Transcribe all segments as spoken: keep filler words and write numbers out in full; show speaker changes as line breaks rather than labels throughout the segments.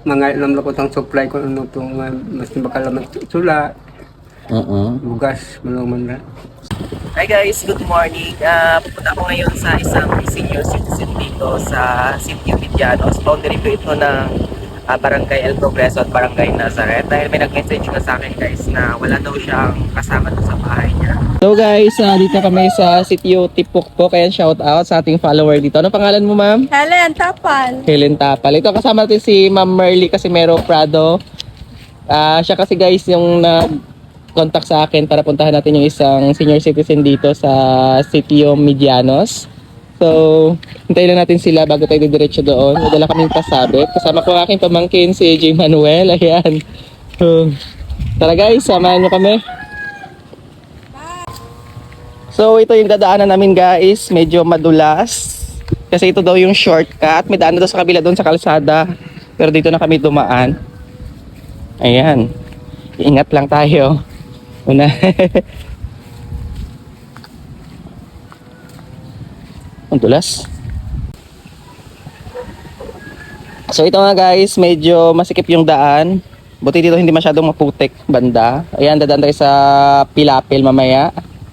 mga ilam ko tang supply ko ano to nga mas bakalaman sula.
Oo.
Bugas malong man.
Hi guys, good morning. Uh, pupunta ako ngayon sa isang senior citizen dito sa City of Medianos. Boundary po ito ng uh, Barangay El Progreso at Barangay Nazareth. Dahil may nag-message na sa akin guys na wala daw siyang kasama doon sa bahay niya. So guys, uh, dito kami sa City of Tipokpok. Kaya shout out sa ating follower dito. Ano pangalan mo ma'am?
Helen Tapal.
Helen Tapal. Ito kasama natin si Ma'am Merly Casimero Prado. Uh, siya kasi guys yung nag contact sa akin para puntahan natin yung isang senior citizen dito sa City of Medianos. So, hintayin lang natin sila bago tayo diretso doon. Madala kaming pasabit. Kasama ko ang aking pamangkin si J. Manuel. Ayan. So, tara guys, samahan nyo kami. So, ito yung dadaanan namin guys. Medyo madulas. Kasi ito daw yung shortcut. May daan na daw sa kabila doon sa kalsada. Pero dito na kami dumaan. Ayan. Ingat lang tayo. Una. Ang dulas. So ito nga guys, medyo masikip yung daan. Buti dito hindi masyadong maputik banda. Ayan, dadaan tayo sa Pilapil mamaya.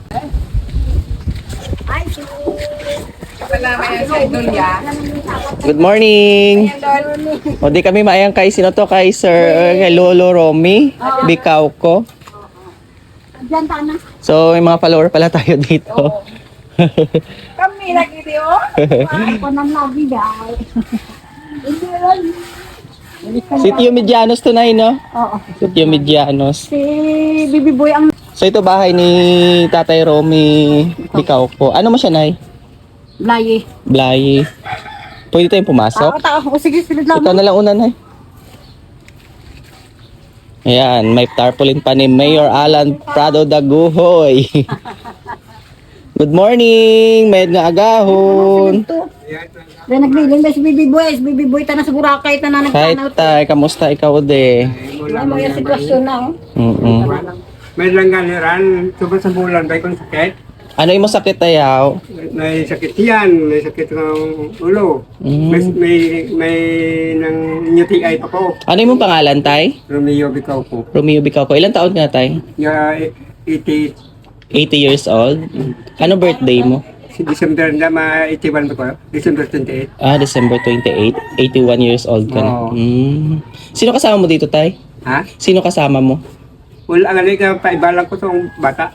Good morning. O di kami maayang kay sino to? Kay Sir kay Lolo Romy Bikaw ko. So may mga follower pala tayo dito.
Kami lagi di oh. Ako nang lagi dahil.
Sitio Medianos to na no?
Oo.
Sitio Medianos.
Si Bibi Boy ang
So ito bahay ni Tatay Romy Bikaw ko. Ano mo siya nay?
layi.
Blaye. Pwede tayong pumasok?
Ako tao. O sige, silid lang.
Ikaw na lang una nay. Ayan, may tarpaulin pa ni Mayor Alan Prado Daguhoy. Good morning, may nga agahon.
Dahil nagliling ba si Bibi Boy? Si Bibi Boy ta na sa Boracay ta na
Hi
nagtanaw.
tay, kamusta ikaw de?
Ay mga sitwasyon na oh.
Mm.
May langganiran subang sa bulan bay kon sakit.
Ano yung sakit tayaw?
May sakit yan, may sakit ng ulo.
Mm.
May may may nang U T I pa ko.
Ano yung pangalan tay?
Romeo Bikaw ko.
Romeo Bikaw ko. Ilan taon nga tay?
Ya eighty
eighty years old. Ano birthday mo?
si December na ma eighty-one pa ko. December twenty-eight.
Ah, December twenty-eighth. eighty-one years old ka na.
Oo.
Mm. Sino kasama mo dito tay?
Ha?
Sino kasama mo?
Wala nga ka paibalang ko tong bata.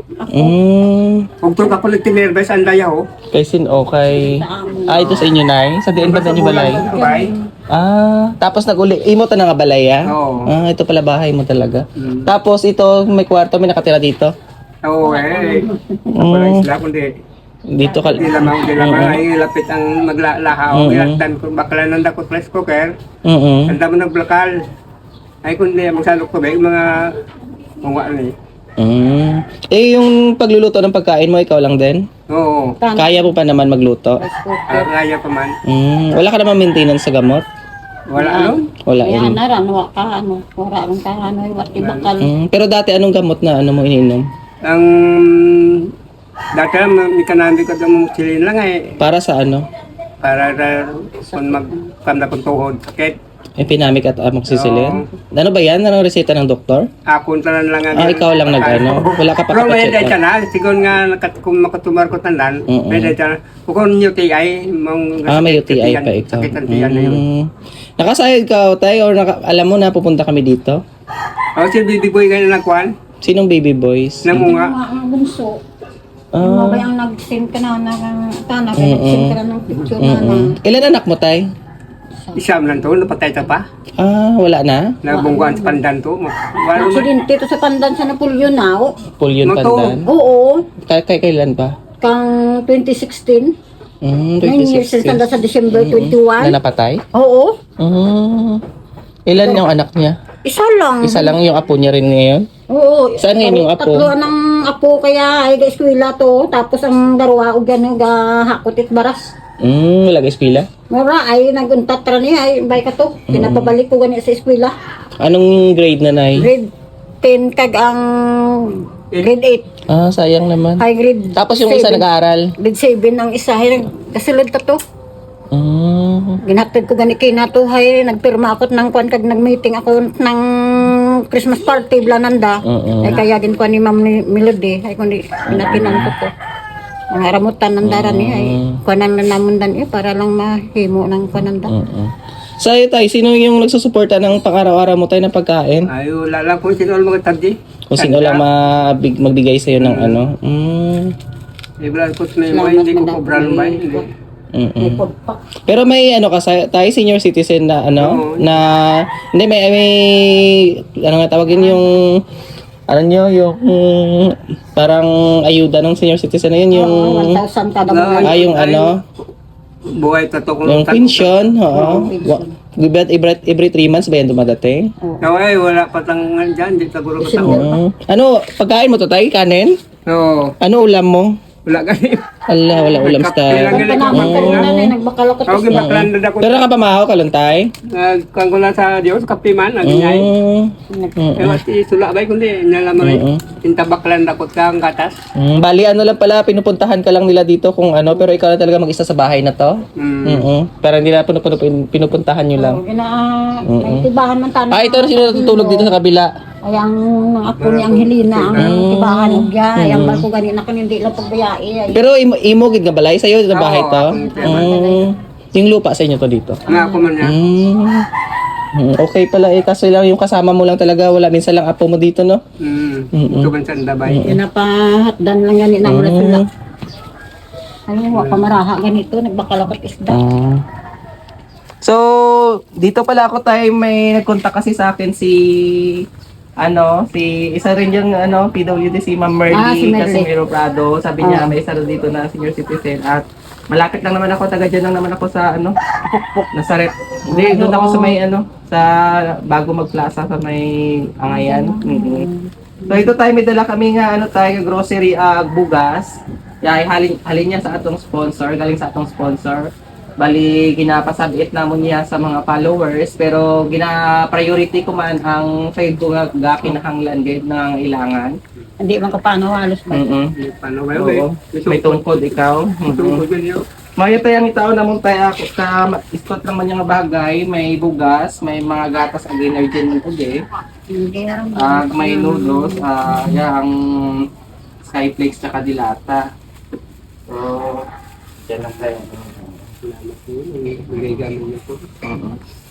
Mm.
Ug to ka kulit tinerbes ang daya ho.
Kay sin okay. Ah, ito sa inyo nay. Sa diin ba na niyo balay?
Balay.
Ah, tapos nag-uli. Imo ta nga balay ah?
Oo.
Ah, ito pala bahay mo talaga.
Mm.
Tapos ito, may kwarto, may nakatira dito.
Oo eh.
Mm.
Wala isla kundi
Dito ka.
di lamang di lamang ay lapit ang maglalahaw.
Mm-mm.
Ilatan ko bakla nang dako rice cooker.
Mm.
Anda mo nagbakal. Ay kundi magsalok ko ba yung mga mga ni.
Mm. Eh yung pagluluto ng pagkain mo ikaw lang din?
Oo.
Kaya mo pa naman magluto?
Ah, kaya pa man.
Mm. Wala ka naman maintenance sa gamot?
Wala ano?
Wala
Yan
yun.
na ran wa ka ano. Wala ran ka ano wat ibakal.
Mm. Pero dati anong gamot na ano mo ininom?
Ang dati may kanami ko damo silin lang eh
Para sa ano?
para ra- kung magkamda kong tuhod sakit.
Epinamic at amoxicillin? Ano ba yan? Anong reseta ng doktor?
Ako tanan lang ang
Ah, ikaw lang nag-ano? Wala ka pa
Pero may
kapacheck
dahil
up?
na, siguro nga nakat- kung makatumar ko tandan,
Mm-mm.
may dahil na, kung U T I, mong
Ah, may U T I pa ikaw.
sakit ang tiyan na yun.
Mm. Nakasayad ka tayo or naka, alam mo na pupunta kami dito?
O si Bibi Boy ganyan lang kwan,
Sinong baby boys?
namunga.
Mga ang bunso. Mga
Ah.
ba yung nag-send ka na na tana
Mm-mm.
nag-send ka na ng picture na na.
Mm-mm. Ilan anak mo tay?
Isam lang to, napatay ta pa.
Ah, wala na?
Nabungguan sa pandan to. Wala man.
Aksidente to sa pandan sa Napoleon na oh.
Pulyon
Mato.
pandan?
Oo.
Kay, kay kailan pa?
Kang twenty sixteen.
Mm,
nine years since tanda sa December
Na
twenty-one.
napatay?
Oo.
Mm. Ilan yung anak niya?
Isa lang.
Isa lang yung apo niya rin ngayon?
Oo.
Saan ngayon yung apo?
Tatlo ng apo kaya ay ga-eskwela to. Tapos ang darawa o gano'n ga hakutit baras.
Mm, wala ka eskwela?
Mura ay naguntat ra niya ay bay ka to. Pinapabalik ko gani sa eskwela.
Anong grade na nay?
Grade ten kag ang grade eight.
Ah, sayang naman.
Ay grade
Tapos yung isa
seven.
nag-aaral?
Grade seven ang isa ay kasulod ta to.
Mm.
Ginhatid ko gani kinatuhay, nagpirma ako ng kwan kag nag-meeting ako ng Christmas party blananda.
Oo.
Ay kaya gin ko ni Ma'am ni Melody ay kundi pinatinan ko to. Ang aramutan ng dara ni ay kwanan na namon dan eh para lang mahimo ng kwananda.
Oo. Sa iyo tayo, sino yung nagsusuporta ng pang-araw-araw mo tayo ng pagkain?
Ay, wala lang kung sino ang mga tagdi.
Kung sino lang mabig, magbigay sa'yo ng ano? Mm.
Ibral ko na yung hindi ko cobra lumbay.
Mm-mm. Pero may ano ka sa tayo senior citizen na ano
Oo.
na hindi may may ano nga tawagin yung ano nyo yung mm, parang ayuda ng senior citizen na yun yung
Oo, one thousand kada
Na-
buwan.
ah, yung
Ay,
ano
Buhay tato ko.
yung pension oo
pension.
Wa- every every three months ba yan dumadating?
Kaway, wala patangan dyan. Di taguro ko tao.
Mm. Ano pagkain mo to tayo kanin?
Oo.
Ano ulam mo?
Wala gani.
Ala wala ulam sa
Kailangan
Ang panaman ka rin na eh, nagbakal ako
Tawag yung baklan na ako.
pero nakapamahaw ka lang tayo?
Nagkuhan ko lang sa Diyos, kape man, nagingay.
Mm.
Eh, wati sula ba kundi, nalaman
Oo.
rin. Intabaklan na ko ka ang katas.
Mm, bali ano lang pala, pinupuntahan ka lang nila dito kung ano, pero ikaw na talaga mag-isa sa bahay na to?
Mm.
Mm Parang hindi na pinupunta, pinupuntahan nyo lang.
Oh, ina, may tibahan man tayo.
Ah, ito na sino natutulog dito sa kabila.
Ay, ang mga apo ni Angelina, ang tibahan og ya, ay ang barko gani na kun hindi lang pagbayai. Ay,
Pero imo, imo gid nga balay sa'yo sa bahay
Oo,
to?
ako
Mm, yung lupa sa inyo to dito?
Nga ako man niya.
Mm. Mm, okay pala eh, kasi lang yung kasama mo lang talaga, wala minsan lang apo mo dito, no?
Mm.
Mm-mm.
Ito man sa dabay.
Ginapahatdan lang gani na mula sila.
Mm.
Ay, wa pa maraha ganito, nagbakal ako isda.
Ah. So, dito pala ako tayo may nagkontak kasi sa akin si ano, si isa rin yung ano, P W D si Ma'am Merly
Ah, si Merly.
Casimiro Prado. Sabi niya
Ah.
may isa rin dito na senior citizen at malapit lang naman ako, taga dyan lang naman ako sa ano, Nazaret. Hindi, doon ako sa may ano, sa bago magplaza sa may Angayan. Mhm. So ito tayo may dala kami nga ano tayo grocery ah, bugas. Yay, halin halin niya sa atong sponsor, galing sa atong sponsor. Bali ginapasabiit namon niya sa mga followers pero gina-priority ko man ang trade ko nga ga kinahanglan gid ng ilangan.
Hindi man ko paano halos ba.
Mhm.
Paano ba
Oo.
yun?
May tungkod ikaw.
Ito
Mhm.
ko din yun.
Maya tayong itaw namon tayo ako ka istot naman yung bagay, may bugas, may mga gatas ag energy man ug
Hindi ram.
Ah, may noodles, ah, yeah, ang Skyflakes tsaka dilata. So, yan lang tayo.
Salamat po. Bigay gamin niyo po.
Uh-huh.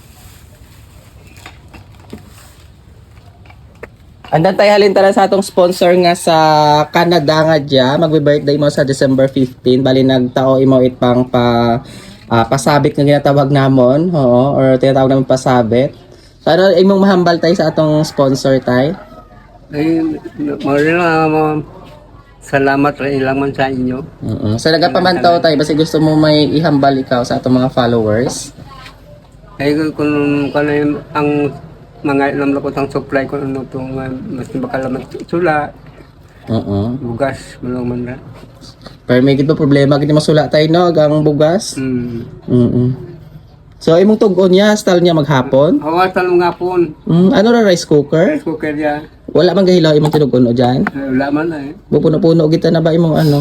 Andan tayo halin tara sa atong sponsor nga sa Canada nga dya. Magbe-birthday mo sa December fifteenth. Bali nagtao imo it pang pa ah, pasabit nga ginatawag namon, oo, or tinatawag namin pasabit. Para imong mahambal tayo sa atong sponsor tay.
Ay, marila mo. Salamat rin lang man sa inyo.
Oo. So nagapamantaw tayo basi gusto mo may ihambal ikaw sa atong mga followers.
Ay, kung kung ano yung ang mga alam ko ang supply ko ano itong uh, mas bakalaman sula,
Oo.
bugas, malong man na.
Pero may gid pa problema gid masula tayo no ang bugas.
Hmm.
Mm. So imong tug-on niya style niya maghapon.
Hawasan mo nga po.
Mm, ano ra rice cooker?
Rice cooker ya.
Wala man gahilaw imong tinugon o diyan.
Eh, Wala man na eh.
Bupuno-puno kita na ba imong ano?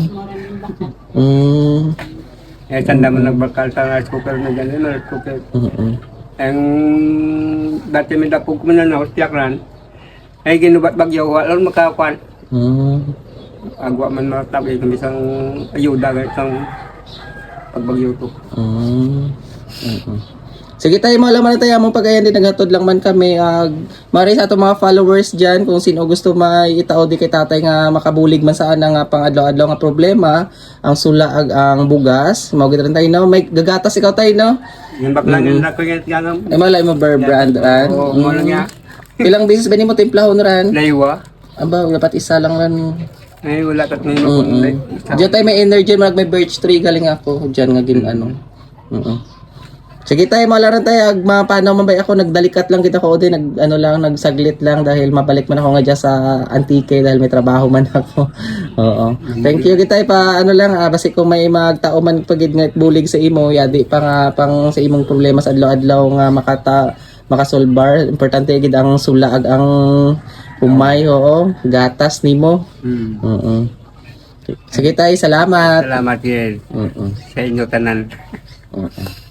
Mm.
Eh, tanda mo nagbakal sa rice cooker na dyan. Yung rice cooker.
Mm.
Ang dati may dapog ko man na hostiak ran. Ay, ginubat bagyo. Wala lang makakuan.
Mm.
Agwa man matabi kung isang ayuda kahit isang pagbagyo to.
Mm. Mm. Sige tayo mga laman na tayo mong pag-ayan din naghatod lang man kami ag mari sa ato mga followers diyan kung sino gusto may itao di kay tatay nga makabulig man sa ana nga pang adlaw-adlaw nga problema ang sula ag ang bugas mao gid rin tayo no may gagatas ikaw tayo no
Yung bakla nila ko yung ganam.
ay malay mo bar brand ran
Oo, mo lang nga.
ilang beses ba nimo timplahon ran
Laywa.
aba dapat isa lang ran
Ay, wala kat nino
Mm.
kung
Diyan tayo may energy, mag may birch tree galing ako. Diyan nga gin ano. Oo. Sige tayo, malaran tayo. Ag, ma, paano mabay ako, nagdalikat lang kita ko. O din, nag, ano lang, nagsaglit lang dahil mabalik man ako nga dyan sa Antique dahil may trabaho man ako. Oo. Thank you kita pa, ano lang, ah, basi kung may magtao man pagid nga bulig sa imo, yadi pa nga, pang sa imong problema sa adlaw-adlaw nga makata, makasolbar. Importante gid ang sulaag ang humay, oo. Gatas nimo.
Hmm.
Oo. Sige tayo, salamat.
Salamat yun
Oo.
sa inyo tanan.
Oo.